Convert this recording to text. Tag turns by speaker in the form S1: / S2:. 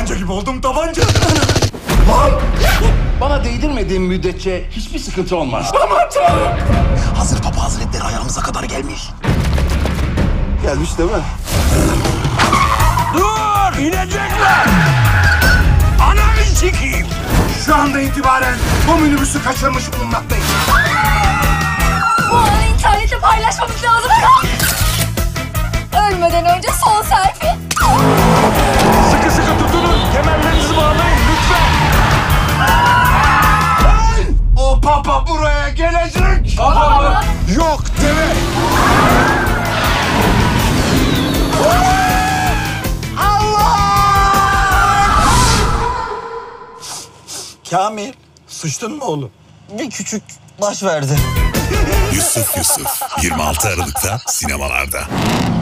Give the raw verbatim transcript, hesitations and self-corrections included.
S1: Tabanca gibi oldum, tabanca.
S2: Bana değdirmediğin müddetçe hiçbir sıkıntı olmaz.
S1: Aman Tanrım.
S3: Hazır Papa Hazretleri ayağımıza kadar gelmiş.
S1: Gelmiş değil mi?
S4: Dur! İnecekler! Ananı sikeyim!
S1: Şu anda itibaren bu minibüsü kaçırmış bulunmaktayım.
S5: Bu anı internette paylaşmamız lazım. Ölmeden önce son selfie.
S4: Sıkı sıkı tutunun! Kemerlerinizi bağlayın lütfen!
S1: O Papa buraya gelecek.
S4: Papa mı?
S1: Yok deme.
S3: Kamil, sıçtın mı oğlum? Bir küçük baş verdi.
S6: Yusuf Yusuf yirmi altı Aralık'ta sinemalarda.